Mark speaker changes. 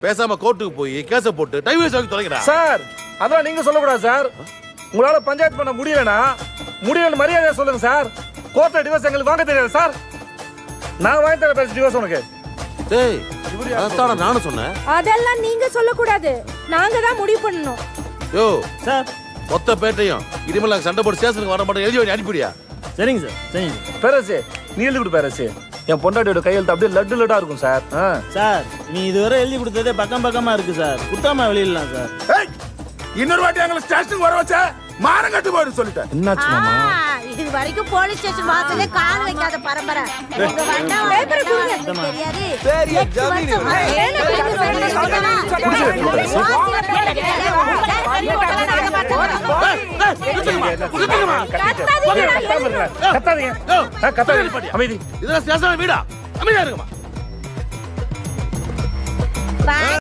Speaker 1: பேசாம கோர்ட்டுக்கு போய் கேஸ போட்டு டைவர்ஸ் வாங்கி தொலைங்கடா.
Speaker 2: சார் அதெல்லாம் நீங்க சொல்லக்கூடாது சார். உங்களால பஞ்சாயத்து பண்ண முடியலனா முடியலன்னு மரியாதையா சொல்லுங்க சார். கோர்ட்ல டிவோர்ஸ் எங்களுக்கு வாங்க தெரியாது சார். நான் வாங்கி தர பேச டிவோர்ஸ் உனக்கு.
Speaker 1: டேய் அதான் நானும் சொன்னேன்.
Speaker 3: அதெல்லாம் நீங்க சொல்லக்கூடாது, நாங்க தான் முடிவு பண்ணணும்.
Speaker 1: யோ
Speaker 4: சார்
Speaker 1: மொத்த பேட்டையும் இனிமேல் நாங்கள் சண்டை போட்டு ஸ்டேஷனுக்கு வர மாட்டோம், எழுதி வாங்கி அனுப்பிடியா?
Speaker 4: சரிங்க சார் சரிங்க சார்.
Speaker 2: பேரரசு நீ எழுதி கொடு பேரரசு. என் பொண்டாட்டியோட கையெழுத்து அப்படியே லட்டு லட்டா இருக்கும் சார்.
Speaker 4: சார் நீ இதுவரை எழுதி கொடுத்ததே பக்கம் பக்கமா இருக்கு சார். குட்டாம வெளியிடலாம் சார்.
Speaker 5: இன்னொரு வாட்டி எங்களை ஸ்டேஷனுக்கு வர வச்ச மானம் கட்டு போயிடு சொல்லிட்டேன்.
Speaker 2: என்னாச்சு மாமா?
Speaker 6: இது வரைக்கும் போலீஸ் ஸ்டேஷன் வாசலே கால் வைக்காத பரம்பரை. உங்க வண்டா
Speaker 3: பேப்பர் கொடுங்க.
Speaker 6: தெரியாது.
Speaker 7: பெரிய ஜமீன்
Speaker 2: அமைதி.
Speaker 1: இதெல்லாம் ஸ்டேஷன் வீடா? அமைதியா இருக்குமா?